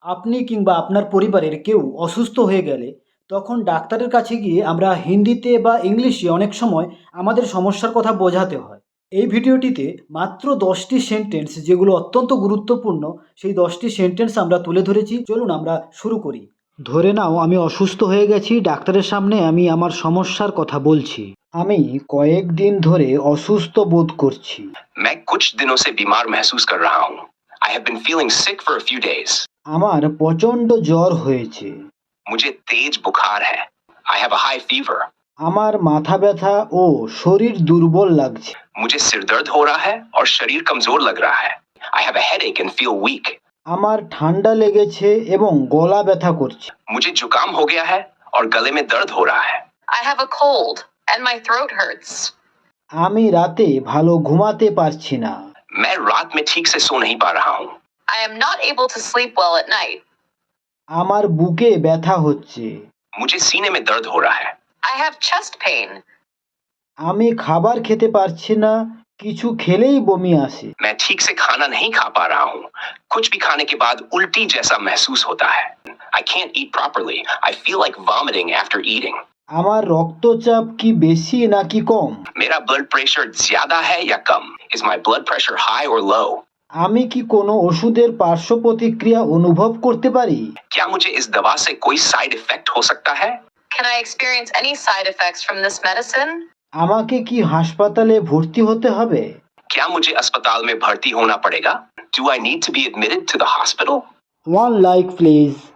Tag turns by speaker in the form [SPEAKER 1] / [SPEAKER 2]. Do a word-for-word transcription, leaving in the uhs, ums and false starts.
[SPEAKER 1] আপনি কিংবা আপনার পরিবারের কেউ অসুস্থ হয়ে গেলে তখন ডাক্তারের কাছে গিয়ে আমরা হিন্দিতে বা ইংলিশে অনেক সময় আমাদের সমস্যার কথা বোঝাতে হয়। এই ভিডিওটিতে মাত্র দশটি সেন্টেন্স যেগুলো অত্যন্ত গুরুত্বপূর্ণ, সেই দশটি সেন্টেন্স আমরা তুলে ধরেছি। চলুন আমরা শুরু করি। ধরে নাও আমি অসুস্থ হয়ে গেছি, ডাক্তারের সামনে আমি আমার সমস্যার কথা বলছি। আমি কয়েকদিন ধরে অসুস্থ বোধ করছি।
[SPEAKER 2] मैं कुछ दिनों से बीमार महसूस कर रहा हूँ। I have been feeling sick for a few days.
[SPEAKER 1] আমার প্রচণ্ড জ্বর হয়েছে।
[SPEAKER 2] मुझे तेज बुखार है। I have a high fever.
[SPEAKER 1] আমার মাথা ব্যথা ও শরীর দুর্বল লাগছে।
[SPEAKER 2] मुझे सिर दर्द हो रहा है और शरीर कमजोर लग रहा है। I have a headache and feel weak.
[SPEAKER 1] আমার ঠান্ডা লেগেছে এবং গলা ব্যথা করছে।
[SPEAKER 2] मुझे जुकाम हो गया है और गले में दर्द हो रहा है।
[SPEAKER 3] I have a cold and my throat hurts.
[SPEAKER 1] আমি রাতে ভালো ঘুমাতে পারছি না।
[SPEAKER 2] मैं रात में ठीक से सो नहीं पा रहा हूँ।
[SPEAKER 3] I am not able to sleep well at night.
[SPEAKER 1] আমার বুকে ব্যথা হচ্ছে।
[SPEAKER 2] मुझे सीने में दर्द हो रहा है।
[SPEAKER 3] I have chest pain.
[SPEAKER 1] আমি খাবার খেতে পারছি না, কিছু খেলেই বমি আসে।
[SPEAKER 2] मैं ठीक से खाना नहीं खा पा रहा हूँ। कुछ भी खाने के बाद उल्टी जैसा महसूस होता है। I can't eat properly. I feel like vomiting after eating.
[SPEAKER 1] আমার রক্তচাপ কি বেশি নাকি কম?
[SPEAKER 2] मेरा ब्लड प्रेशर ज्यादा है या कम? Is my blood pressure high or low?
[SPEAKER 1] আমি কি কোনো ওষুধের পার্শ্ব প্রতিক্রিয়া অনুভব করতে পারি?
[SPEAKER 2] क्या मुझे इस दवा से कोई साइड इफेक्ट हो सकता है?
[SPEAKER 3] Can I experience any side effects from this medicine?
[SPEAKER 1] আমাকে কি হাসপাতালে ভর্তি হতে হবে?
[SPEAKER 2] क्या मुझे अस्पताल में भर्ती होना पड़ेगा? Do I need to be admitted to the hospital?
[SPEAKER 1] One like please.